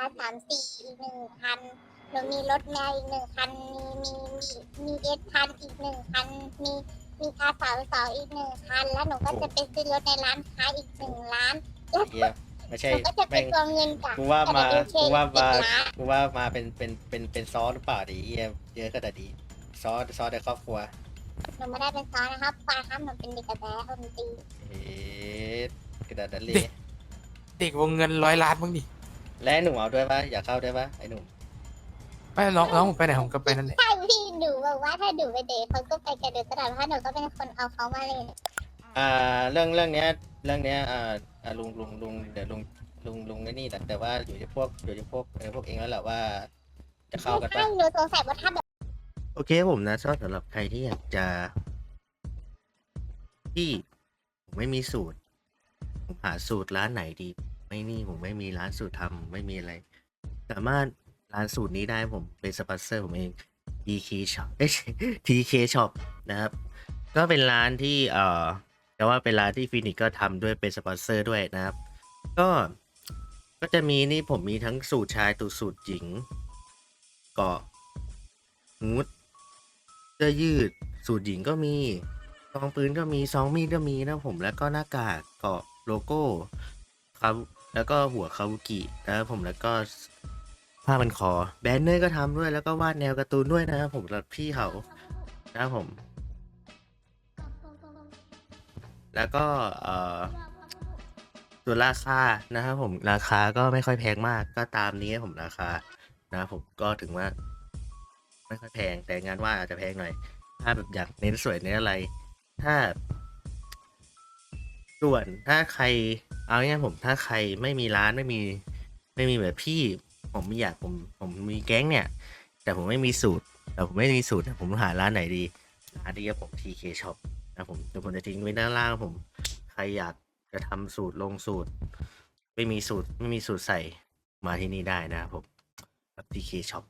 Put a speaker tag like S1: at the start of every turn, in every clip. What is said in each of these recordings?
S1: R34อีก1 คันหนูมีรถแมวอีก1 คันมีS1000อีก1 คันมีR32อีก1 คันแล้วหนูก็จะไปซื้อรถในร้านค้าอีก1 ล้านแล้ว
S2: เฮียไม่ใช่
S1: หนูก็จะไป
S2: แม่ง
S1: รวมเงินจาก
S2: กูว่ามา
S1: LWK
S2: กูว่ามา
S1: 10 ล้าน
S2: กูว่ามาเป็นซอสหรือเปล่าดิเฮียเยอะขนาดนี้ซอสในครอบครัว
S1: หนูไม่ได้เป็นซ้อนนะครับปาครับหนูเป็นเด็กกระแสคนตี
S2: เอ๊ะกระดาษนั้นเลย
S3: เด็กวงเงิน100 ล้านมั้งดิ
S2: และหนุ่มเอาด้วยปะอยากเข้าด้วยปะไอ้หนุ่ม
S3: ไม่น้องผมไปไหนผมก็ไปนั่นแหละ
S1: ใช่พี่หนูบอกว่าถ้าหนูไปเดทเขาก็ไปกันเดทตลอดเพราะหนูก็เป็นคนเอาเขามาเลย
S2: เรื่องเนี้ยลุงเดี๋ยวลุงไอ้นี่แต่ว่าอยู่ที่พวกเองแล้วแหละว่าจะเข้ากัน
S1: ใช่
S2: ปะ
S1: หนูสงสัยว่าถ้าแบบ
S2: โอเคผมนะสำหรับใครที่อยากจะที่ผมไม่มีสูตรผมหาสูตรร้านไหนดีผมไม่มีร้านสูตรทำไม่มีอะไร สามารถร้านสูตรนี้ได้ผมเป็นสปอนเซอร์ผมเอง TK Shop TK Shop นะครับก็เป็นร้านที่แต่ว่าเป็นร้านที่ฟินิกก็ทำด้วยเป็นสปอนเซอร์ด้วยนะครับก็จะมีนี่ผมมีทั้งสูตรชายสูตรหญิงเกาะฮูดเสื้อยืดสูตรหญิงก็มีซองปืนก็มีซองมีดก็มีนะผมแล้วก็หน้ากากเกาะโลโก้ครับแล้วก็หัวคาบุกินะครับผมแล้วก็ผ้าพันคอแบนเนอร์ก็ทำด้วยแล้วก็วาดแนวการ์ตูนด้วยนะครับผมรับพี่เขานะครับผมแล้วก็ส่วนราคานะครับผมราคาก็ไม่ค่อยแพงมากก็ตามนี้ผมราคานะครับผมก็ถึงว่าไม่ค่อยแพงแต่งานว่าอาจจะแพงหน่อยถ้าแบบอยากเน้นสวยเน้นอะไรถ้าส่วนถ้าใครเอาง่ายๆผมถ้าใครไม่มีร้านไม่มีแบบพี่ผมไม่อยากผมมีแก๊งเนี่ยแต่ผมไม่มีสูตรผมหาร้านไหนดีร้านนี้ผม TK Shop นะผมเดี๋ยวผมจะทิ้งไว้ด้านล่างผมใครอยากจะทำสูตรลงสูตรไม่มีสูตรใส่มาที่นี่ได้นะครับผมกับ TK Shop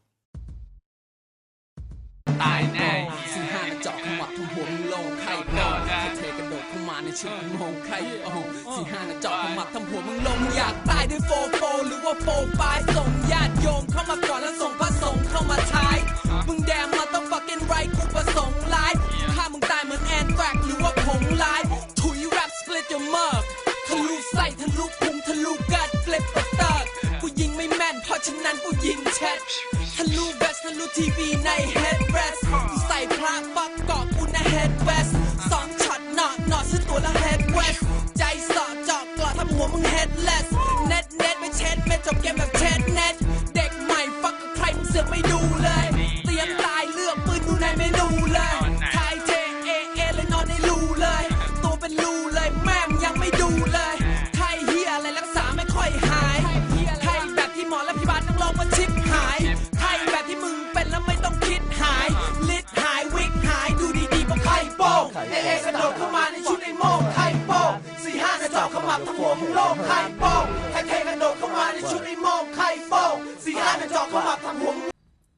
S4: ตายแน่สี่ห้าเจาะขมับทุกหัวมึงลงไข่โดนเทกระโดดเข้ามาในชุดมึงงงไข่โอ้สี่ห้าเจาะขมับทำหัวมึงลงอยากตายด้วยโฟหรือว่าโฟปายส่งญาติโยมเข้ามาก่อนแล้วส่งพระสงฆ์เข้ามาท้ายมึงแดมมาต้อง fucking right กูประสงค์ร้ายถ้ามึงตายเหมือนแอนแทรกหรือว่าผงลายถุยแรปสเปลิตyour mug ทะลุไส้ทะลุพุงทะลุกัดเฟลิปเปอร์เตอร์กูยิงไม่แม่นเพราะฉะนั้นกูยิงแชททะลุเวสทะลุทีวีในเฮดเรสกูใส่พระปักเกาะกูในเฮดเวส2 ช็อตหนอซื้อตัวละเฮดเวสใจสอดเจาะกลอดทำหัวมึงเฮดเลสเน็ตไม่เช็ดไม่จบเกมแบบเช็ดเน็ตเด็กใหม่ฟักกับใครมึงเสือกไม่ดูเลยเตรียมตายเลือกปืนดูในเมนูเลยไทยเทเลยนอนในรูเลยตัวเป็นรูเลยแม่มยังไม่ดูเลยไทยเฮียอะไรรักษาไม่ค่อยหายไทยแบบที่หมอและพยาบาลต้องลองว่าชิปหายไทยแบบที่มึงเป็นแล้วไม่ต้องคิดหายลิดหายวิกหายดูดีๆก็ไข่โป้งกระโดดเข้ามาในชุดไอ้โม่งไข่โป้ง4-5เจาะขมับทั้งหัวมึงโล่งไข่โป้งไทยกระโดดเข้ามาในชุดไอ้โม่งไข่โป้ง4-5เจาะขมับทั้งหัวมึง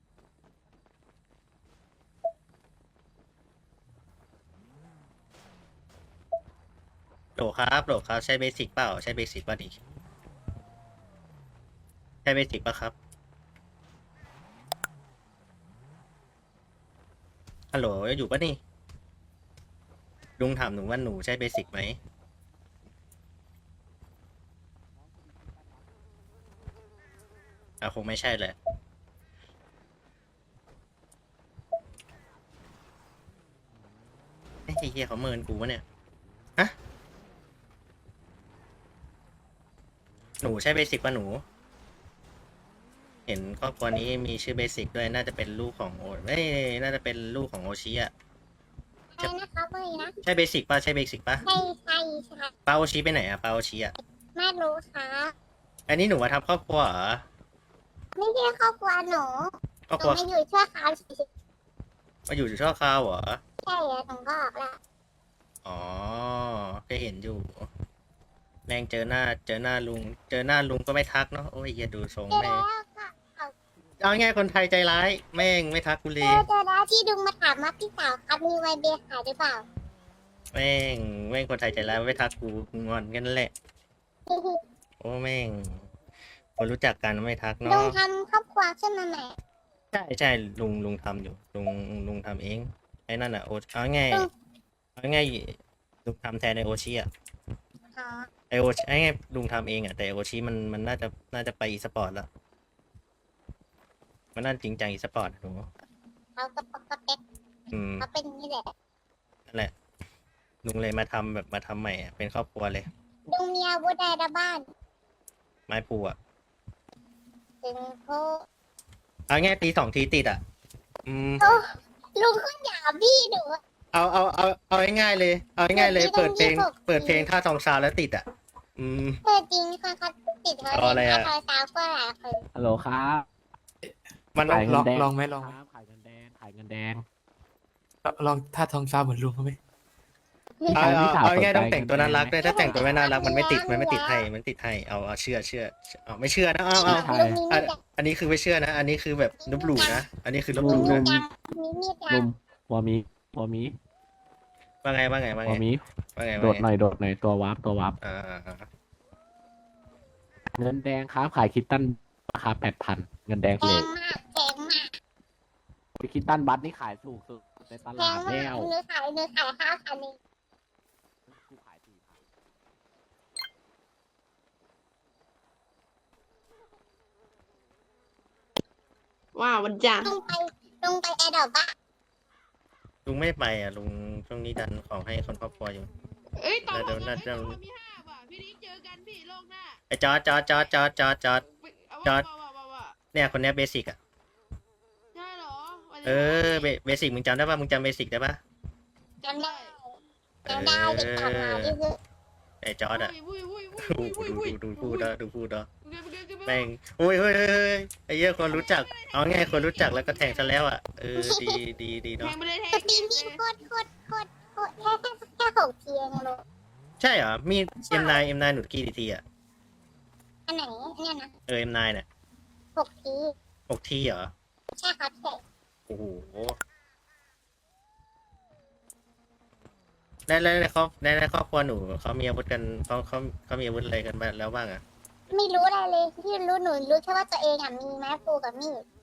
S2: โหลครับใช้เบสิกเปล่าใช้เบสิกป่ะดิใช้เบสิกป่ะครับฮัลโหลอยู่ป่ะนี่ลุงถามหนูว่าหนูใช้เบสิกไหมคงไม่ใช่เลยไอ้เหี้ยเขาเมินกูวะเนี่ยฮะหนูใช้เบสิกป่ะหนูเห็นครอบครัวนี้มีชื่อเบสิกด้วยน่าจะเป็นลูกของน่าจะเป็นลูกของโอชิอะ
S1: ใช่นะคะเมื่อนะ
S2: ใช่เบสิกป่ะใช่เบสิกป่ะ
S1: ใช่ค่ะ
S2: ปาโอชิไปไหนอะปาโอชิอะ
S1: ไม่รู้ค่ะ
S2: อันนี้หนูมาทำครอบครัวเหรอ
S1: ไม่ใช่ครอบครัวหนู
S2: ครอบ
S1: ห
S2: ค
S1: นู
S2: รัว
S1: มาอยู่ชั่วคราวเฉย
S2: มาอยู่ชั่วคราวเหรอ
S1: ๆใช่อะหนูก็ออกละ
S2: อ๋อก็เห็นอยู่แม่งเจอหน้าลุงก็ไม่ทักเนาะโอ้ยอย่าดูทรง
S1: เจอ
S2: แม่ง
S1: แล้วค่ะเอา
S2: เอาง่ายคนไทยใจร้ายแม่งไม่ทักกูเล
S1: เจ
S2: ย
S1: อแล้วที่ดุงมาถามว่าพี่สาวครับมีไวเบขายหรือเปล่า
S2: แม่งคนไทยใจร้ายไม่ทักกูงอนกันแหละโอ้แม่งคนรู้จักกันไม่ทัก
S1: ลุ
S2: เนาะ
S1: งทำครอบครัวขึ้นมาใหม่
S2: ใช่ลุงทำอยู่ลุงทำเองไอ้นั่นอ่ะเอาง่าย
S1: อืม
S2: เอาง่ายลุงทำแทนไอโอชิอ่ะ
S1: อ๋อ
S2: ไอโอชิไอ้ง่ายลุงทำเองอ่ะแต่โอชิมันน่าจะไปอีสปอร์ตแล้วมันน่าจริงจังอีสปอร์ตหนู
S1: เขาก็ปกติ เขาเป็นอย่างนี่แหละ
S2: นั่นแหละลุงเลยมาทำใหม่อะเป็นครอบครัวเลย
S1: ลุงมีอาวุธใดในบ้าน
S2: ไม้ปูอ่ะ
S1: ถึงโพ
S2: เอาง่ายตี2 ทีติดอ่ะ
S1: ลุงคุณอย่าบี้หนูอะ
S2: เอาง่ายๆเลยเอาง่ายๆเลย
S1: ตีต้อง
S2: เปิดเพลง
S1: 26
S2: ท่าทองซาวแล้วติดอ่ะ
S1: เออจริงค่ะเขาติดเขา
S2: เอาอะไร
S1: เล่น
S2: อะ
S1: ท่าทอยสาวก็หลายคน
S5: ฮัลโหลครับ
S2: มัน
S5: ขายเงินแดง
S3: ลองไหมลอง
S5: ครับขายเงินแดงขายเงินแดง
S3: ลองท่าทองฟ้าเหมือนลุงเขาไหม
S2: เอาง่ายๆต้องแต่งตัวน่ารักด้วยถ้าแต่งตัวไม่น่ารักมันไม่ติดให้เอาเชื่อเอาไม่เชื่อนะเอา
S5: ใช่
S1: ลุงมีมีด
S2: อันนี้คือไม่เชื่อนะ อันนี้คือแบบลบหลู่นะอันนี้คือลบหลู่
S1: มี
S2: นะ
S1: มีดมีมีด
S5: ลุมวอมี
S2: ว่าไง
S5: วอมี
S2: ว่าไง
S5: โดดหน่อยตัววาร์ป
S2: อ่า
S5: เงินแดงครับขายคิตตันราคา8,000เงินแดง
S1: แพ
S5: เล
S1: ง
S5: ท
S1: มากแพงมาก
S5: คิตตันบัตนี่ขายถูกสุดในต
S1: แพ
S5: ลาง ด
S1: มา
S5: แล้
S1: ก
S5: ว
S1: หนูขาย5,000เอง
S5: กูขาย4,000
S6: ว้าววันจันทร์
S1: ลุงไปแอร์ดรอปบ้า
S2: ลุงไม่ไปอ่ะลุงช่วงนี้ดันของให้คนครอบครัวอยู่
S6: เอ้ยต่อ
S2: เดี๋ยว
S6: ผม
S2: น่าจะ
S6: มี5 ว่ะพี่นิกเจอกันพี่โลกหน้า
S2: ไอ้จอด
S6: เอา
S2: จอด
S6: ว่า
S2: เนี่ยคนเนี้ยเบสิกอ่ะ
S6: ใช่เหรอวันนี้
S2: เบสิกมึงจำได้ป่ะมึงจำเบสิกได้ป่ะ
S1: จำได้ติดตามมาที่คือ
S2: ไอ้จอดอ่ะ
S6: อุ้ย
S2: ดูพูดเนาะ
S6: เดี๋ยว
S2: แม่งเฮ้ยไอ้เหี้ยคนรู้จักเอาง่ายคนรู้จักแล้วก็แทงซะแล้วอ่ะดี
S6: แท
S2: เนาะ
S6: งไม่ได้แท
S1: ส
S6: ง
S1: ตรีมมีโคตรแค่6 เทียงลูก
S2: ใช่เหรอมี M9 หนุดกี่ทีอ่ะ
S1: อันไหนเนี่ยนะ
S2: M9 เนี่ย
S1: 6 ที
S2: 6 ทีเหรอ
S1: ใช่ครับใช่
S2: โอ้โหในครอบครัวหนูเขามีอาวุธกันเขามีอาวุธอะไรกันบ้างแล้วบ้างอ่ะ
S1: ไม่รู้อะไรเลยที่รู้หนูรู้แค่ว่าตัวเองอ่ะมีไม้ปูกับมีด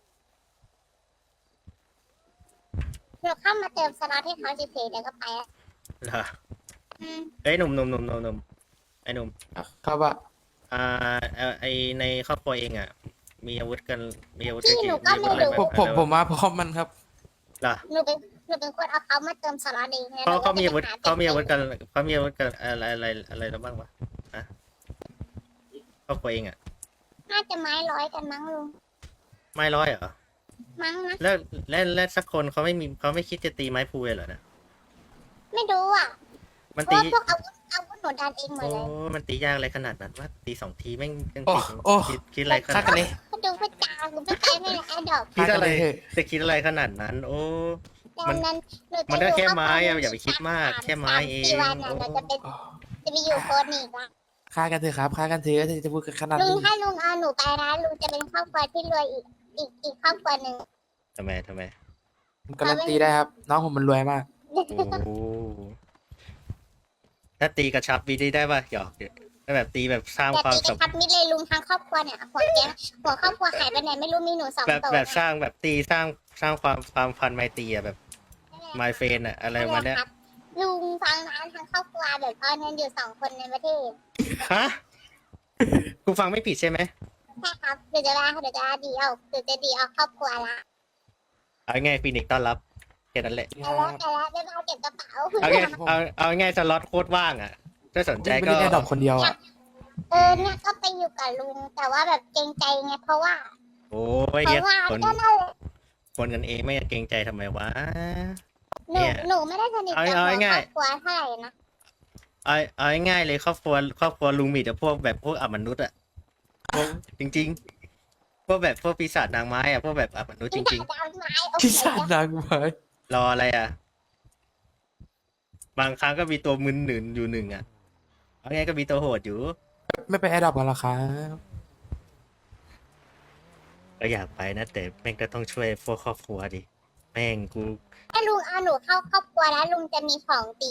S1: หนูเข้ามาเติมสล็อตให้เขาเฉยๆเดี๋ยวก็ไปแล้ว
S2: เหรอ
S1: อืม
S2: เอ้ยหนุ่มไอ้หนุ่ม
S3: ครับว่า
S2: ไอในครอบครัวเองอ่ะ มีอาวุธกันมีอาวุธ
S1: พี่
S2: กี่
S1: หนูก็
S2: มีอาวุธ
S1: ไม่
S2: อะไร
S1: รู้
S2: บ้าง
S3: ผมมาพร้อมมันครับ
S2: เหรอ
S1: หนูเป็นคนเอาเขามาเติมสล็อตเองนะ
S2: เขามีอาวุธ
S1: หนูก็
S2: เขามีอาวุธ
S1: จะ
S2: กันเขามีอาวุธกันอะไรแล้วบ้างวะอะครอบครัวเองอ่ะ
S1: น่าจะไม้ร้อยกันมั้งลุง
S2: ไม่ร้อยเหรอ
S1: มั้งนะ
S2: แล้วสักคนเขาไม่คิดจะตีไม้พูเลยเหรอนะ
S1: ไม่รู้อ่ะ
S2: มัน
S1: เพ
S2: ตี
S1: ราะว่าพวกอาวุธหนูดันเองหมด
S2: โอ้
S1: เลย
S2: มันตียากอะไรขนาดนั้นว่าตี2 ทีแม่งยัง
S3: โอ้
S2: คิดอะไรข
S3: ฆ่า
S2: นาด
S3: กันเลย
S1: ก็ดูพระจาหนูไม่ไปไม่เลยแอดดอก
S2: คิดอะไร
S3: ฆ่ากันเลยเถอะ
S2: จะคิดอะไรขนาดนั้น โอ้
S1: ดังนั้นหนูจะ
S2: มันก็แค่
S1: ยู่
S2: ไม้อะ
S1: กับ
S2: อย่าไปคิดมากแค่ไม้เอง
S1: 3-4 วันอะเราจะไปอยู่โคดอีกละ
S3: ฆ่ากันเถอะครับฆ่ากันเถอะจะพูดกันขนาด
S1: ลุง
S3: นี้
S1: ถ้าลุงเอาหนูไปนะลุงจะเป็นครอบครัวที่รวยอีกครอบครัวหนึ่ง
S2: ทำไม
S3: ผมการันตีได้ครับ น้องผมมันรวยมาก
S2: โอ้ถ้าตีกระชับวีได้ป่ะหยอกถ้าแบบตีแบบสร้าง
S1: แต่
S2: ความ
S1: ตีก
S2: สั
S1: ระ
S2: ม
S1: ชับมิตรเลยลุงทั้งครอบครัวเนี่ยหัวครอบครัวหายไปไหนไม่รู้มีหนู2 ตัว
S2: แบบสร้างแบบตีสร้างความพันไมตรีอะแบบไมเฟนอะอะไรประมาณเนี้ย
S1: ลุงฟังนะทั้งครอบครัวแบบตอนนั้นอยู่2 คนในประเทศ
S2: ฮะกูฟังไม่ผิดใช่ไหม
S1: ใช่ครับเดี๋ยวจะดีเอาครอบครัวละ
S2: เอาง่ายฟีนิกซ์ต้อนรับแค่นั้นแหละ
S1: แต่แล้วไม่มาเก็บกระเป๋า
S2: เอาง่ายสล็อตโคตรว่างอะถ้าสนใจ
S3: ไม่
S2: ก็
S3: ได้แอดดอกคนเดียวอ่ะ
S1: เนี่ยก็ไปอยู่กับลุงแต่ว่าแบบเกรงใจไงเพราะว่า
S2: โอ้ยเนี่ยคน
S1: ก็นั่นแหละ
S2: คนกันเองไม่เกรงใจทำไมวะ
S1: หนูไม่ได้สนิทกับ
S2: เอา
S1: หัว
S2: ง่าย
S1: ครอบครัวเท่าไหร่นะ
S2: เอาง่ายๆเลยครอบครัวลุงมีแต่พวกแบบพวกอมนุษย์อะพวกจริงๆพวกแบบพวกปีศาจนางไม้อะพวกแบบอมนุษย์จริง
S1: จะเอาไม้โอเค
S3: พี่ชาตินางไม้
S2: ๆ รออะไรอะบางครั้งก็มีตัวมึนหนึ่งอยู่หนึ่งอะเอาง่ายก็มีตัวโหดอยู่
S3: ไม่ไปแอดดอกกันหรอครับ
S2: ก็อยากไปนะแต่แม่งก็ต้องช่วยพวกครอบครัวดิแม่งกู
S1: ถ้าลุงเอาหนูเข้าครอบครัวแล้วลุงจะมีของตี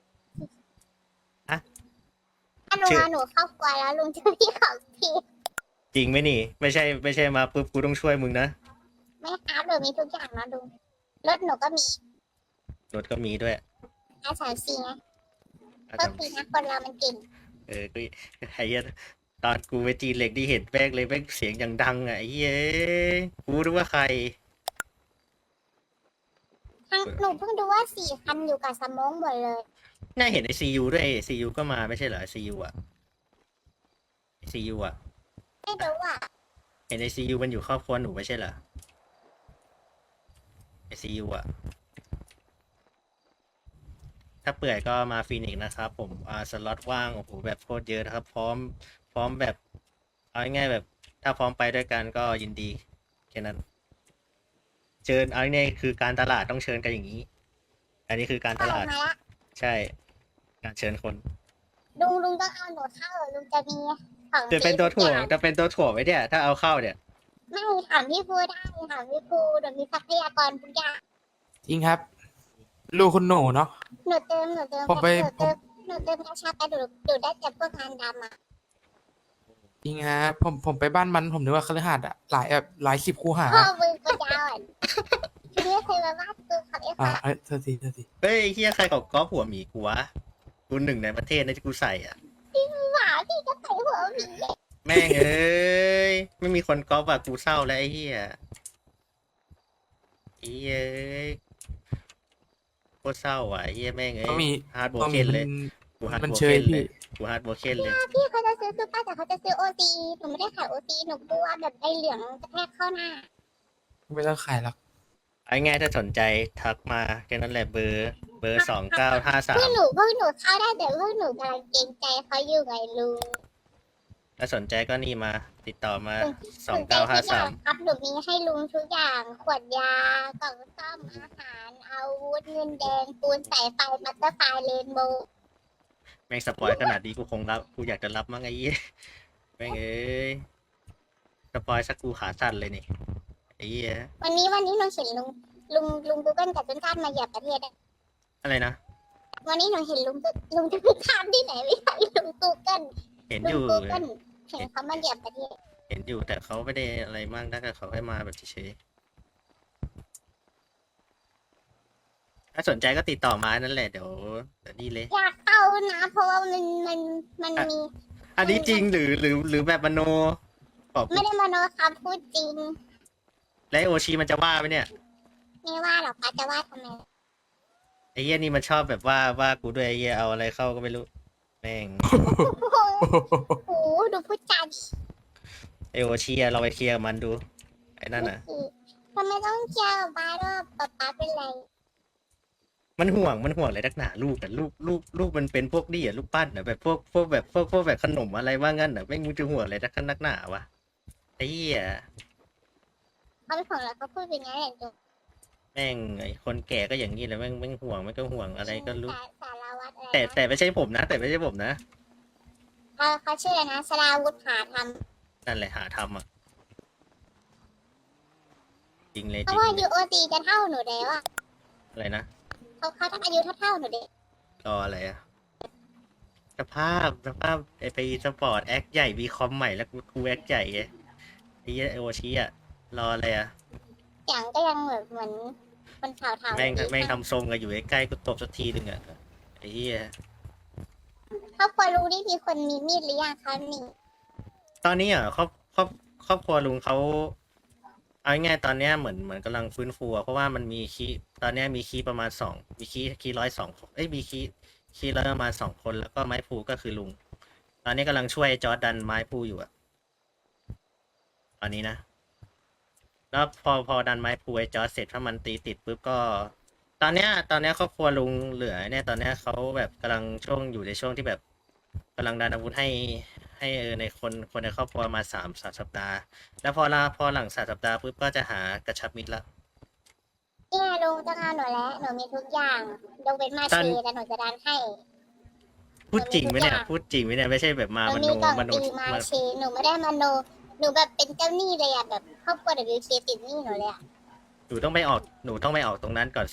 S1: ถ้าลุงเอาหนูเข้าครอบครัวแล้วลุงจะมีของตี
S2: จริงไหมนี่ ไม่ใช่มาปุ๊บกูต้องช่วยมึงนะ
S1: ไม่ครับหนูมีทุกอย่างนะลุงรถหนูก็มี
S2: รถก็มีด้วย
S1: R34ไง
S2: อ่ะ
S1: โทษทีนะคนเรามันเก่ง
S2: ก็ไอ้เหี้ยตอนกูไปจีนเหล็กที่เห็นแม่งเลยแม่งเสียงอย่างดังอ่ะไอ้เหี้ยกูรู้ว่าใคร
S1: หนูเพิ่งดูว่า4 คันอยู่กับสมองหมดเลย
S2: น่าเห็นไอซียูด้วยไอซียูก็มาไม่ใช่เหรอไอซียูอ่ะไอซียูอ่ะ
S1: ไม่รู้อ่ะ
S2: เห็นไอซียูมันอยู่ครอบครัวหนูไม่ใช่เหรอไอซียูอ่ะ ถ้าเปื่อยก็มาฟีนิกซ์นะครับผมสล็อตว่างโอ้โหแบบโคตรเยอะนะครับ พร้อมแบบเอาง่ายๆแบบ ถ้าพร้อมไปด้วยกันก็ยินดีแค่นั้น เชิญเอาง่ายๆคือการตลาดต้องเชิญกันอย่างนี้ อันนี้คือการต
S1: เข้า
S2: ลาด
S1: มาละ
S2: ใช่ การเชิญคน
S1: ลุงต้องเอาหนูเข้าลุงจะมีของ
S2: จะเป็นตัวถ่วง
S1: ฟรีทุกอย่าง
S2: จะเป็นตัวถ่วงไว้เนี่ยถ้าเอาเข้าเนี่ย
S1: ไม่ถามพี่ภูได้ถามพี่ภูหนูมีทรัพยากรทุกอย่าง
S3: จริงครับ ลูกคุณหนูเนาะ
S1: หนูเติม
S3: ผมไป
S1: หนูเติมกระชาไปดูได้แต่พวกงานดำอ่ะ
S3: จริงฮะผมไปบ้านมันผมนึกว่าคฤหาสน์อะหลายสิบคูหา
S1: พ่อมือก็ยาวอ่ะทีนี้เคยมาบ้านกูขับเอฟ
S3: อ่าเธอที
S2: เฮ้ยเฮียใครเขาก๊อปหัวหมีกูวะกูหนึ่งในประเทศนะที่กูใส่อ่ะ
S1: หมาพี่ก็ใส่หัวหมี
S2: แม่งเอ้ย ไม่มีคนก๊อปอ่ะกูเศร้าแล้วไอ้เฮียไอ้เหี้ยเอ้ยโคตรเศร้าอ่ะไอ้เฮียแม่งเอ้
S3: ก็มี
S2: ยฮาร์ดโบ
S3: ก็
S2: เก
S3: มี
S2: นเลยกูฮาร์ด
S3: มัน
S2: โบ
S3: เช
S2: เก
S3: ย
S2: นเล
S3: พี่
S2: ยกูฮาร์ดโบเกนเลย
S1: พี่เขาจะซื้อซูเปอร์แต่เขาจะซื้อโอซีหนูไม่ได้ขายโอซีหนูกลัวแบบใบเหลืองกระแทกเข้าหน้า
S3: ไม่ต้องขายหรอก
S2: ไอ้ง่ายถ้าสนใจทักมาแค่นั้นแหละเบอร์2953
S1: พวกหนูเข้าได้แต่พวกหนูกำลังเกรงใจเขาอยู่ไงลุง
S2: ถ้าสนใจก็นี่มาติดต่อมา
S1: สนใจทุกอย่าง
S2: 2953
S1: ครับหนูมีให้ลุงทุกอย่างขวดยากล่องซ่อมอาหารอาวุธเงินแดงปูนสายไฟบัตเตอร์ไฟเรนโบว์
S2: แม่งสปอยขนาดนี้กูคงรับกูอยากจะรับมั้งไอ้เหี้ยแม่งเอ้ยสปอยสักกูขาสั่นเลยนี่ไอ้เหี้ย
S1: วันนี้หนูเห็นลุงกูเกิลกับต้นข้ามมาเหยียบประเทศอะ
S2: อะไรนะ
S1: วันนี้หนูเห็นลุงจะไปข้ามที่ไหนไม่ใช่ลุงกูเกิล
S2: เห็น
S1: ลุ
S2: อง ยู่
S1: กูเกิลเห็นเขามาเหยียบประเทศ
S2: เห็นอยู่แต่เขาไม่ได้อะไรมากนะแต่เขาให้มาแบบเฉยๆถ้าสนใจก็ติดต่อมานั่นแหละเดี๋ยวนี่เลย
S1: อยากเข้านะเพราะว่ามันมี
S2: อันนี้จริงหรือแบบมโนบอก
S1: ไม่ได้มโนคำพูดจริง
S2: และไอ้โอชิมันจะว่าไหมเนี่ย
S1: ไม่ว่าหรอกป้าจะว่าทำไม
S2: ไอ้เหี้ยนี่มันชอบแบบว่ากูด้วยไอ้เหี้ยเอาอะไรเข้าก็ไม่รู้แม่ง
S1: โอ้โหดูพูดจาดี
S2: ไอโอชิอะเราไปเคลียร์กับมันดูไอ้นั่นน่ะ
S1: ทำไมต้องเกี่ยวกับป้าด้วยป้าเป็นไร
S2: มันห่วงอะไรนักหนาลูกแต่ลูกมันเป็นพวกนี่อ่ะลูกปั้นอ่ะแบบพวกแบบขนมอะไรว่างั้นอ่ะแม่งมึงจะห่วงอะไรนักหนาวะไอ้เหี้ย
S1: เขาไม่ห่วงแล้วเขาพูดเป็นไงอย่างเดียว
S2: แม่งไอ้คนแก่ก็อย่างนี้แหละแม่งห่วงมันก็ห่วงอะไรก็รู้
S1: สารวัตรอะไร
S2: แต่ไม่ใช่ผมนะ แต่ไม่ใช่ผมนะ
S1: เขาชื่ออะไรนะสราวุธหาท
S2: นั่นแหละหาทำอ่ะจริงเลย
S1: ำเพ
S2: จริ
S1: ราะ
S2: ง
S1: ว่า
S2: เลย
S1: UOC จะเท่าหนูแล้วอะ
S2: อะไรนะ
S1: เขาอายุเท่าหนูเด็ก
S2: รออะไรอ่ะสภาพไอไปสปอร์ตแอคใหญ่วีคอมใหม่แล้วกูแอคใหญ่ไงไอ้เหี้ยไอโอชิอ่ะรออะไรอ่ะ
S1: เสียงก็ยังแบบเหมือนคนเฒ่าๆ
S2: แม่งทำทรงกันอยู่ใกล้ๆกูตบสักทีหนึ่งอ่ะไอ้เหี้ย
S1: ครอบครัวลุงนี่มีคนมีมีดหรือยังคะมี
S2: ตอนนี้อ่ะครอบครัวลุงเขาเอาง่ายๆตอนเนี้ยเหมือนกำลังฟื้นฟูอะเพราะว่ามันมีคีย์ตอนเนี้ยมีคีย์ประมาณมีคีย์102มีคีย์ร้อยประมาณ2 คนแล้วก็ไม้พูก็คือลุง ตอนนี้กำลังช่วยจอร์ดดันไม้พูอยู่อะตอนนี้นะ แล้วพอดันไม้พูไอ้จอร์ดเสร็จถ้ามันตีติดปุ๊บก็ ตอนเนี้ยครอบครัวลุงเหลือเนี่ยตอนเนี้ยเขาแบบกำลังอยู่ในช่วงที่แบบกำลังดันอาวุธให้ในคนในครอบครัวมา3 สัปดาห์ แล้วพอหลัง3 สัปดาห์ปุ๊บก็จะหากระชับมิตรละ
S1: เนี่ยลุงต้องเอาหนูแล้วหนูมีทุกอย่างยกเว้นมาเชแต่หนูจะดันให้
S2: พูดจริงไหมเนี่ยพูดจริงไหมเนี่ยไม่ใช่แบบมา
S1: หนู
S2: ม
S1: มี
S2: โน
S1: กล่อง
S2: มโน
S1: ตีมาเชหนูไม่ได้มโนหนูแบบเป็นเจ้าหนี้เลยอะแบบครอบครัว WK ติดหนี้หนูเลยอะ
S2: หนูต้องไม่ออกตรงนั้นก่อนสิ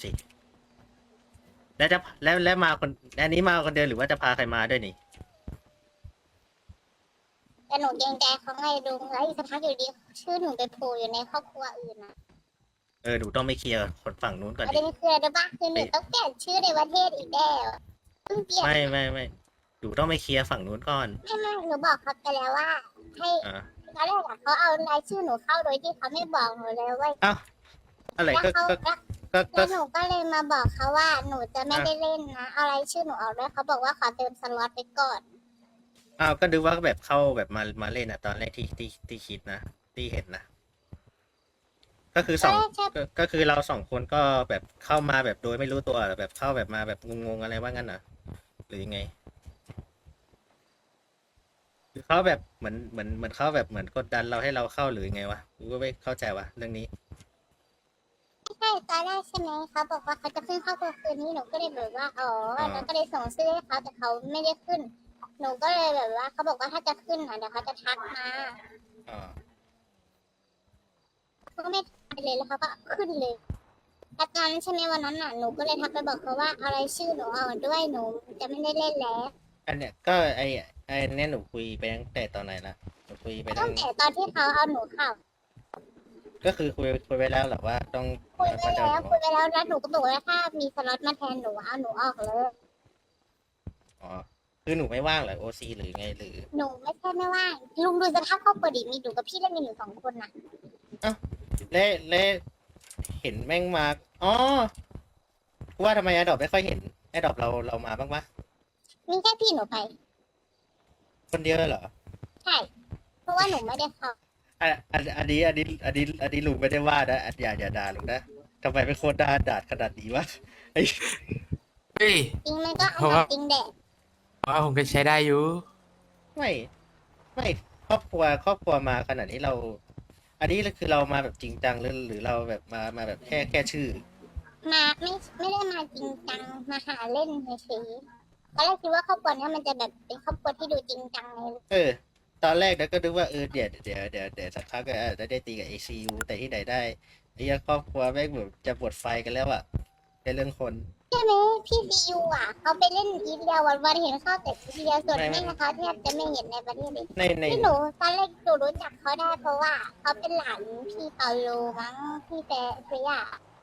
S2: แล้วมาคนอันนี้มาคนเดียวหรือว่าจะพาใครมาด้วยนี่
S1: แต่หนูเกรงใจเขาไงลุงแล้วอีกสักพักอยู่ดีชื่อหนูไปโผล่อยู่ในครอบครัวอื่นนะ
S2: หนูต้องไปเคลียร์คนฝั่งนู้นก่อน
S1: ประ
S2: ดิ
S1: เด็นคืออะไรรู้ปะคือหนูต้องเปลี่ยนชื่อในประเทศอีกแล้วเพิ่งเปลี่ยน
S2: ไม่หนูต้องไปเคลียร์ฝั่งนู้นก่อน
S1: ไม่หนูบอกเขาไปแล้วว่า ให้
S2: อ่า
S1: ตอนแรกอะเขาเอารายชื่อหนูเข้าโดยที่เขาไม่บอกหนูเลยเว้ย
S2: เอ้าอะไร
S1: แล้ว
S2: ก็
S1: เขา
S2: ก็
S1: แล้ว
S2: ก็
S1: หนูก็เลยมาบอกเขาว่าหนูจะไม่ได้เล่นนะเอารายชื่อหนูออกด้วยเขาบอกว่าขอเติมสล็อตไปก่อน
S2: อ้าวก็ดูว่าแบบเข้าแบบมาเล่นอะตอนแรกที่คิดนะที่เห็นนะ ก็คือก็คือเราสองคนก็แบบเข้ามาแบบโดยไม่รู้ตัวแบบเข้าแบบมาแบบงงๆอะไรว่างั้นนะหรือยังไงหรือเขาแบบเหมือนเขาแบบเหมือนกดดันเราให้เราเข้าหรือยังไงวะกูก็ไม่เข้าใจวะเรื่องนี้
S1: ไม่ใช่ตอนแรกใช่ไหมเขาบอกว่าเขาจะขึ้นเข้าตัวคืนนี้หนูก็เลยแบบว่าอ๋อแล้วก็เลยส่งชื่อให้เขาแต่เขาไม่ได้ขึ้น หนูก็เลยแบบว่าเขาบอกว่าถ้าจะขึ้นอ่ะเดี๋ยวเขาจะทักมา
S2: อ่า
S1: เขาก็ไม่ทักไปเลยแล้วเขาก็ขึ้นเลยแล้วตอนนั้นใช่ไหมวันนั้นน่ะหนูก็เลยทักไปบอกเขาว่าเอารายชื่อหนูเอาด้วยหนูจะไม่ได้เล่นแล้ว
S2: อันเนี้ยก็ไอเนี้ยหนูคุยไปตั้งแต่ตอนไหนละหนูคุยไป
S1: ตั้งแต่ตอนที่เขาเอาหนูเข้า
S2: ก็คือคุยไปแล้วแหละว่าต้อง
S1: คุยไปแล้วแล้วหนูก็บอกว่าถ้ามีสล็อตมาแทนหนูเอาหนูออกเลย
S2: อ๋อคือหนูไม่ว่างเหรอโอซีหรือไงหรือ
S1: หนูไม่ใช่ไม่ว่างลุงดูสภาพครอบครัวดิมีหนูกับพี่เล่นกันอยู่สองคนน่ะ
S2: และเห็นแม่งมาอ๋อกูว่าทำไมแอดดอปไม่ค่อยเห็นแอดดอปเรามาบ้างปะ
S1: มีแค่พี่หนูไป
S2: คนเดียวเลยเหรอ
S1: ใช่ เพราะว่าหนูไม่ได้เข้า
S2: อันนี้ลุงไม่ได้ว่านะอย่าด่าลุงนะทำไมเป็นโคตรด่าขนาดนี้วะไอ้
S3: เฮ้ย
S1: จริงมันก็
S3: เพราะ
S1: เอา
S3: ว่า
S1: จริงแดด
S3: ว่าผมก็ใช้ได้อยู่
S2: ไม่ครอบครัวมาขนาดนี้เรา อันนี้คือเรามาแบบจริงจังหรือเราแบบมาแบบแค่ชื่อ
S1: มาไม่ได้มาจริงจังมาหาเล่นเฉยๆตอนแรกคิดว่าครอบครัวเนี้ยมันจะแบบเป็นครอบครัวที่ดูจริงจังเลย
S2: ตอนแรกก็นึกว่าเดี๋ยวสักพักก็จะได้ตีกับ ACU แต่ที่ไหนได้ไอ้ครอบครัวแม่งแบบจะปวดไฟกันแล้วอะในเรื่องคน
S1: ใช่ไหมพี่ซียูอ่ะเขาไปเล่นอีเดียวันๆเห็นเข้าแต่อีเดียส่วนแม่เขาแทบจะไม่เห็นในประเทศเลย
S2: ใน
S1: ที่หนูตอนแรกหนูรู้จักเขาได้เพราะว่าเขาเป็นหลานพี่เปาโลมั้งพี่เฟีย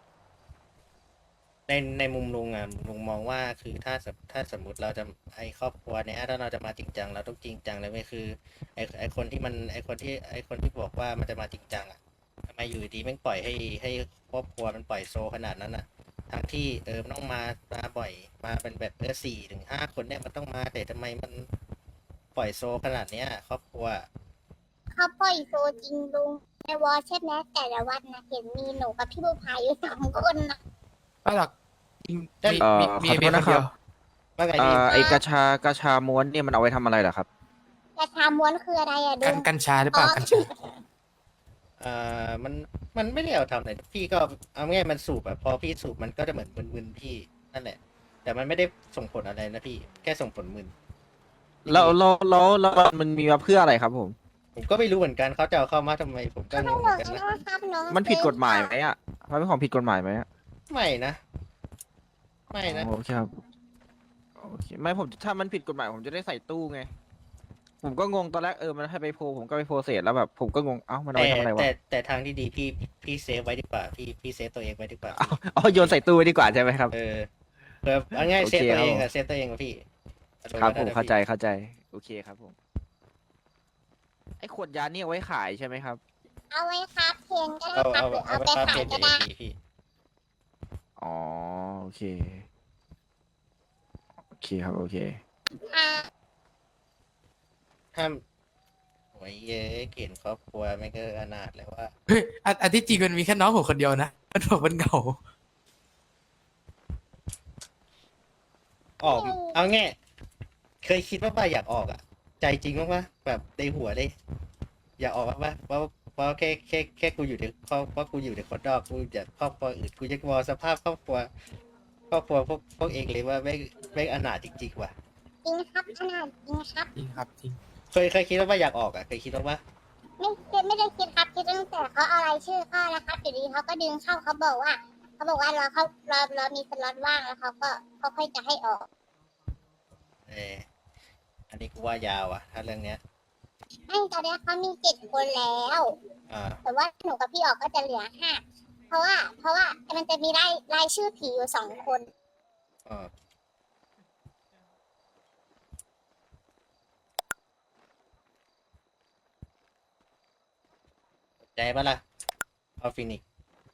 S2: ในมุมลุงอะลุงมองว่าคือถ้าสมมติเราจะไอครอบครัวเนี่ยถ้าเราจะมาจริงจังเราต้องจริงจังเลยไม่คือไอคนที่บอกว่ามันจะมาจริงจังอะทำไมอยู่ดีแม่งปล่อยให้ครอบครัวมันปล่อยโซขนาดนั้นอะทั้งที่มันต้องมาบ่อยมาเป็นแบบ4 ถึง 5 คนเนี่ยมันต้องมาแต่ทำไมมันปล่อยโซขนาดเนี้ยครอบครัว
S1: เขาปล่อยโซจริงลุงในวอลใช่ไหมแต่ละวันนะเห็นมีหนูกับพี่บูพายอยู่2 คนนะ
S3: ไม่หรอกมี
S2: เอ่อ
S3: มี
S7: ขอโทษ
S3: เพียงคน
S7: นะค
S3: เดี
S7: รั
S3: ยว
S7: บ
S2: ว่าไงพี่
S7: ไอกระชาม้วนเนี่ยมันเอาไว้ทำอะไรเหรอครับ
S1: กระชาม้วนคืออะไรอะลุง
S3: กัญชาหรือเปล่ากัญชา
S2: มันไม่ได้เอาทำอะไรพี่ก็เอาง่ายมันสูบอะพอพี่สูบมันก็จะเหมือนมึนๆพี่นั่นแหละ แต่มันไม่ได้ส่งผลอะไรนะพี่แค่ส่งผลมึน
S7: แล้วมันมีมาเพื่ออะไรครับผม
S2: ผมก็ไม่รู้เหมือนกันเขาจะเอาเข้ามาทำไมผมก็
S1: เขา
S2: ง
S1: ไม่
S2: ง
S1: ห
S2: เห
S1: ล
S2: มือน
S1: ง
S2: กันนะ
S1: นะครับน้อง
S7: มันผิดกฎหมายไหมอ่ะมันเป็นของผิดกฎหมายไหมอะ
S2: ไม่นะไม่นะ
S7: โอเคครับโอเคไม่ผมถ้ามันผิดกฎหมายผมจะได้ใส่ตู้ไง ผมก็งงตอนแรกมันให้ไปโพลผมก็ไปโพลเสร็จแล้วแบบผมก็งงเอ้ามันเอา
S2: แต่
S7: ไว้ทำอะไรวะ
S2: แต่ทางที่ดีพี่เซฟไว้ดีกว่าพี่เซฟตัวเองไว้ดีกว่า
S7: อ๋อโยนใส่ตู้ไว้ดีกว่าใช่ไหมครับ
S2: แบบเอาง่าย
S7: โอ
S2: เซ
S7: เค
S2: ฟตัวเอง
S7: ครั
S2: อะ
S7: บ
S2: เซฟตัวเองกับพี่
S7: ครับผม
S2: อารณ์
S7: เข้า
S2: นั้น
S7: ใจ
S2: นะพี่
S7: เข้าใจโอเคครับผมไอ้ขวดยานี่เอาไว้ขายใช่ไหมครับ
S1: เอาไว้ครับเพนก็ได้ครับหรือเอาไปขายก็ได้
S2: พี่
S7: อ๋อโอเคโอเคครับโอเค
S1: อ่า
S2: ห้ามโอ้ยเย้เห็นครอบครัวไม่ก็อนาถแล้วว่า
S3: เฮ้ยอันที่จริงมันมีแค่น้องผมคนเดียวนะมันบอกมันเหงา
S2: ออกเอาแง่เคยคิดว่าอยากออกอ่ะ ใจจริงว่าแบบในหัวเลย อยากออกว่าเพราะแค่กูอยู่ในครอบเพราะกูอยู่ในคนนอกกูอยากครอบครัวอื่นกูจะมองสภาพครอบครัวพวกเองเลยว่าไม่อนาถจริงๆว่ะ
S1: จริงครับขนาดจริงครับ
S3: จริงครับจริง
S2: เคยคิดว่าอยากออกอ่ะเคยคิดว่า
S1: ไม่ได้คิดครับคิดตั้งแต่เขาเอารายชื่อเข้าแล้วครับอยู่ดีเขาก็ดึงเข้าเขาบอกว่าเรามีสล็อตว่างแล้วเขาค่อยจะให้ออก
S2: อันนี้กูว่ายาวอ่ะ ถ้าเรื่องเนี้ย
S1: ไม่ตอนนี้เขามี7 คนแล้ว
S2: อ่า
S1: แต่ว่าหนูกับพี่ออกก็จะเหลือ5เพราะว่ามันจะมีรายชื่อผีอยู่2 คน
S2: อ่าใจปะล่ะเอาฟินิกซ์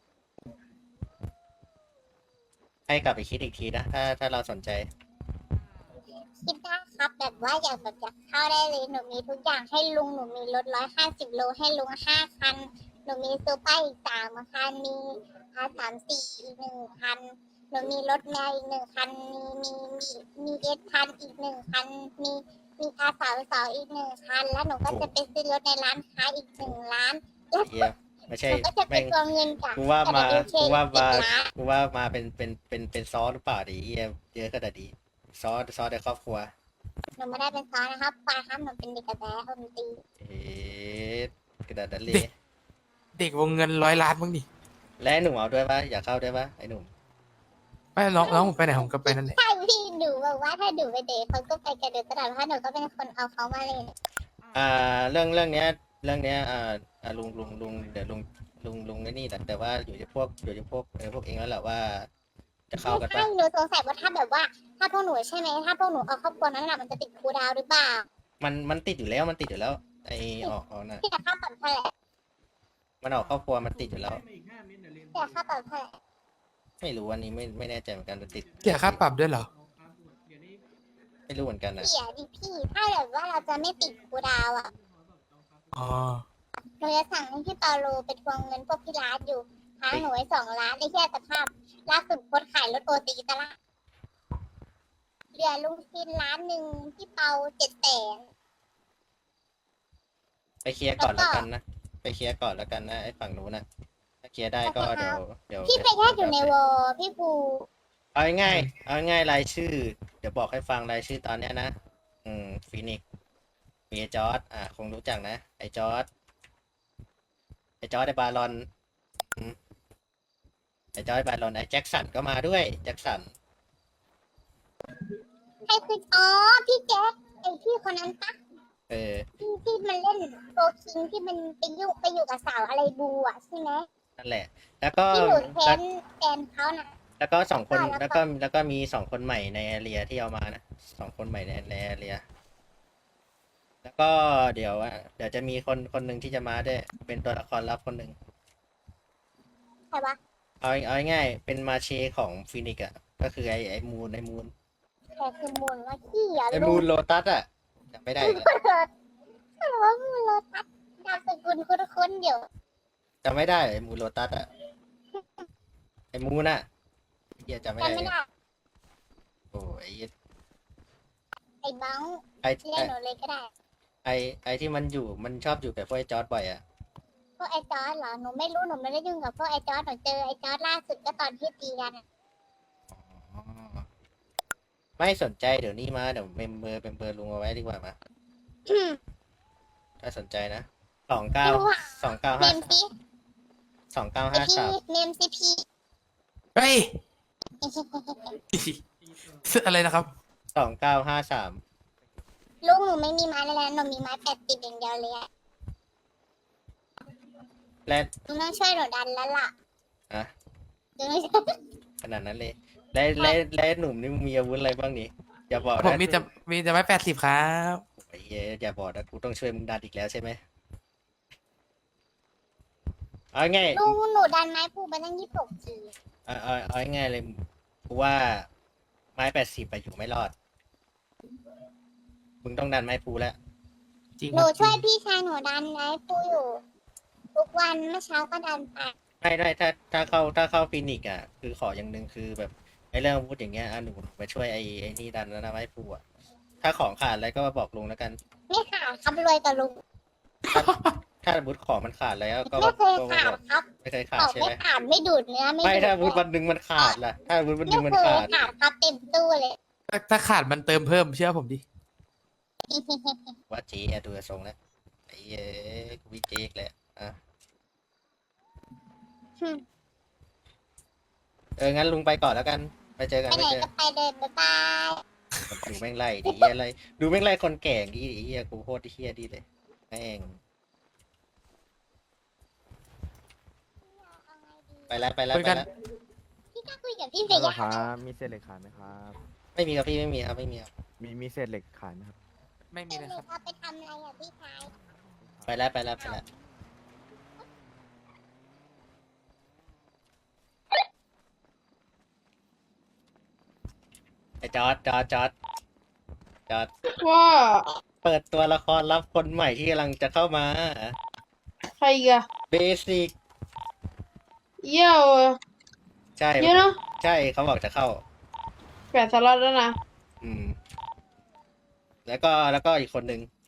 S2: ให้กลับไปคิดอีกทีนะ ถ้าเราสนใจ
S1: คิดได้ครับแบบว่าอยากเข้าได้เลยหนูมีทุกอย่างให้ลุงหนูมีรถ150 โลให้ลุง5 คันหนูมีซูเปอร์อีก3 คันมีR34อีก1 คันหนูมีรถแมวอีก1 คันมีS1000อีก1 คันมีR32อีก1 คันแล้วหนูก็จะไปซื้อรถในร้านค้าอีก1 ล้านแล้ว
S2: เฮียไม่
S1: ห
S2: ใช่
S1: นูก็จะไป
S2: แม่ง
S1: ทวงเงินจาก
S2: กูว่ามา
S1: WK
S2: กูว่ามา
S1: อีก1 ล้าน
S2: กูว่ามาเป็นซอสหรือเปล่าดิเฮียเยอะขนาดนี้ซอสในครอบครัว
S1: หนูไม่ได้เป็นซ้อนนะครับปาครับหนูเป็นเด็กกระแสคนตี
S2: เอ๊ะกระดาษนั้นเล
S3: เด็
S2: ย
S3: ก เด็กวงเงิน100 ล้านมั้งดิ
S2: และไอ้หนุ่มเอาด้วยปะอยากเข้าด้วยปะไอ้หนุ่ม
S3: ไม่น้องผมไปไหนผมก็ไปนั่นแหละ
S1: ใช่พี่หนูบอกว่าถ้าหนูไปเดทเขาก็ไปกันเดทตลอดเพราะหนูก็เป็นคนเอาเขามาเลย
S2: เรื่องเนี้ยลุงเดี๋ยวลุงไอ้นี่แต่ว่าอยู่ที่พวกพวกเองแล้วแหละว่า จะเข้ากัน
S1: ใช่
S2: ปะ
S1: หนูสงสัยว่าถ้าแบบว่า ถ้าพวกหนูใช่ไหมถ้าพวกหนูเอาครอบครัวนั้นน่ะมันจะติดครูดาวหรือเปล่า
S2: มันติดอยู่แล้วไอออกน่ะ
S1: พี่จะค่าปรับเท่าไหร่
S2: มันออกครอบครัวมันติดอยู่แล้ว
S1: พี่จะค่าปรับเท่าไหร่
S2: ไม่รู้อันนี้ไม่แน่ใจเหมือนกันแต่ติด
S3: เสียค่าปรับด้วยเหรอ
S2: ไม่รู้เหมือนกันนะ
S1: เสียดิพี่ถ้าแบบว่าเราจะไม่ติดครูดาวอ่ะ
S3: อ๋อ
S1: หนูจะสั่งให้พี่เปาโลไปทวงเงินพวกพี่ร้านอยู่ค้างหนูไว้2 ล้านได้แค่สภาพล่าสุดโพสต์ขายรถโอตีตลาดเหลือลุงซิน1 ล้านพี่เปา700,000
S2: ไปเคลียร์ก่อนแล้วกันนะไปเคลียร์ก่อนแล้วกันนะไอ้ฝั่งนู้นนะถ้าเคลียร์ได้ก็เดี๋ยว
S1: พี่ไปแยกอยู่ในวอลพี่ภู
S2: เอาง่ายรายชื่อ เดี๋ยวบอกให้ฟังรายชื่อตอนเนี้ยนะฟีนิกซ์มีไอ้จอร์ดคงรู้จักนะไอ้จอร์ดไอ้บารอนไอ้จอร์ดไอ้บารอนไอ้แจ็คสันก็มาด้วยแจ็คสัน
S1: ใครคืออ๋อพี่แจ๊คไอพี่คนนั้นปะ
S2: เออ
S1: ที่มันเล่นโฟคิงที่มันไปอยู่กับสาวอะไรบูอ่ะใช่ไหม
S2: นั่นแหละ แล้วก็
S1: ที่หนูเทนแฟนเขาน่ะ
S2: แล้วก็2 คน
S1: แล้
S2: แล้วก็มี2 คนใหม่ในแอเรียที่เอามานะ2 คนใหม่ในแอเรียแล้วก็เดี๋ยวจะมีคนหนึ่งที่จะมาด้วยเป็นตัวละครลับคนหนึ่ง
S1: ใครวะ
S2: เอาง่ายๆเป็นมาเชของฟินิกซ์อ่ะก็คือไอ้มูน
S1: ใครคือมูลว่าขี้อ่ะ
S2: ไอ้มูนโลตัสอ่ะจำไม่ได้อีกแล้ว
S1: เขาบอกว่ามูลโลตัสนามสกุลคุ้นๆเดี๋ยว
S2: จำไม่ได้ไอ้มูนโลตัสอ่ะไอ้มูนอ่ะเฮียจำไม่ได้
S1: จำไม่ได้
S2: โอ้ย
S1: ไอ้บัง
S2: ไอ้
S1: เรียกหนูเลยก็ได้
S2: ไอ้ที่มันชอบอยู่กับพวกไอ้จอร์ดบ่อยอ่ะ
S1: พวกไอ้จอร์ดเหรอหนูไม่รู้หนูไม่ได้ยุ่งกับพวกไอ้จอร์ดหนูเจอไอ้จอร์ดล่าสุดก็ตอนที่ตีกันอะ
S2: อ๋อไม่สนใจเดี๋ยวนี้มาเดี๋ยวเป็นเบอร์ลุงเอาไว้ดีกว่ามาถ้าสนใจนะ
S1: เมมซีไอพี่
S2: 2953
S1: เมมซีพี
S3: เฮ้ย อะไรนะครับ
S2: 2953
S1: ลูกหนูไม่มีไม้เลยนะหนูมีไม้80อย่างเดียวเลยอะ
S2: และ
S1: หนูต้องช่วยหนูดันแล้วล่ะ
S2: อ่ะ
S1: หนูต้องช่วย
S2: ขนาดนั้นเลยและหนุ่มนี่มีอาวุธอะไรบ้างนี่อย่าบอก
S3: ผม
S2: นะ
S3: มีแต่ไม้80ครับ
S2: ไอ้เหี้ยอย่าบอกนะกูต้องช่วยมึงดันอีกแล้วใช่ไหมเอาง่าย
S1: ลูกหนูดันไม้พูไปตั้ง26 ที
S2: เอาง่ายเลยกูว่าไม้80ไปอยู่ไม่รอดมึงต้องดันไม้พูแล้ว
S3: จริง
S1: ห
S3: ค
S1: นู
S3: รับ
S1: ช่วยพี่ชายหนูดันไม้พูอยู่ ทุกวันเมื่อเช้าก็ดันไป
S2: ไม่ถ้าเข้าฟินิกซ์อ่ะคือขออย่างหนึ่งคือแบบไอ้เรื่องอาวุธอย่างเงี้ยหนูมาช่วยไอ้นี่ดันแล้วนะไม้พูอ่ะถ้าของขาดอะไรก็มาบอกลุงแล้วกัน
S1: ไม่ขาดครับรวยกับลุง
S2: ถ้าอาวุธของมันขาดแล้วก็
S1: ไม่เคยขาดครับ
S2: ไม่เคยขา
S1: ข
S2: ด
S1: อง
S2: ใช่
S1: ไม่
S2: ไหม
S1: ขาดไม่ดูดเนื้อไม่
S2: ไม่
S1: ดูด
S2: ถ้าอาวุธวันหนึ่งมันขาดล่ะถ้าอาวุธวันห
S1: ไม่
S2: นึ่งมัน
S1: เคย
S2: ขาด
S1: ขาดครับเต็มตู้เลย
S3: ถ้าขาดมันเติมเพิ่มเชื่อผมดิ
S2: ว่าเจ๊อะดูทรงแล้วไอ้เอ้ยกูวิเจ๊กแหละอ่ะงั้นลุงไปก่อนแล้วกันไปเจอกัน
S1: ไปไหน
S2: ไปเจอ
S1: ก็ไปเลยบ๊ายบาย
S2: ดูแม่งไล่ดิเหี้ยอะไรดูแม่งไล่คนแก่งดิเฮียกูโคตรเฮียดีเลยแม่ง
S1: เอาไงดี
S2: ไปแล้ว
S3: คุยกัน
S1: พี่กล้าคุยกับพี่เฟ
S8: ฮัลโหล
S1: ย่า
S8: ครับมีเศษเหล็กขายไหมครับ
S2: ไม่มีครับพี่ไม่มีครับไม่มีครับ
S8: มีเศษเหล็กขายไหมครับ
S3: ไม่มี
S1: เป็น
S3: เลย
S1: เล
S3: ครับ
S1: ยเอาไปทำอะไรอ่ะพี่ชาย
S2: ไปแล้วไอ้จอร์ด
S6: ว่า
S2: เปิดตัวละครรับคนใหม่ที่กำลังจะเข้ามา
S6: ใครอีกอะ
S2: เบสิก
S6: เยี่ยว
S2: ใช่
S6: เยอะเนอะ
S2: ใช่เขาบอกจะเข้า
S6: 8 สล็อตแล้วนะ
S2: อืม แล้วก็อีกคนหนึ่ง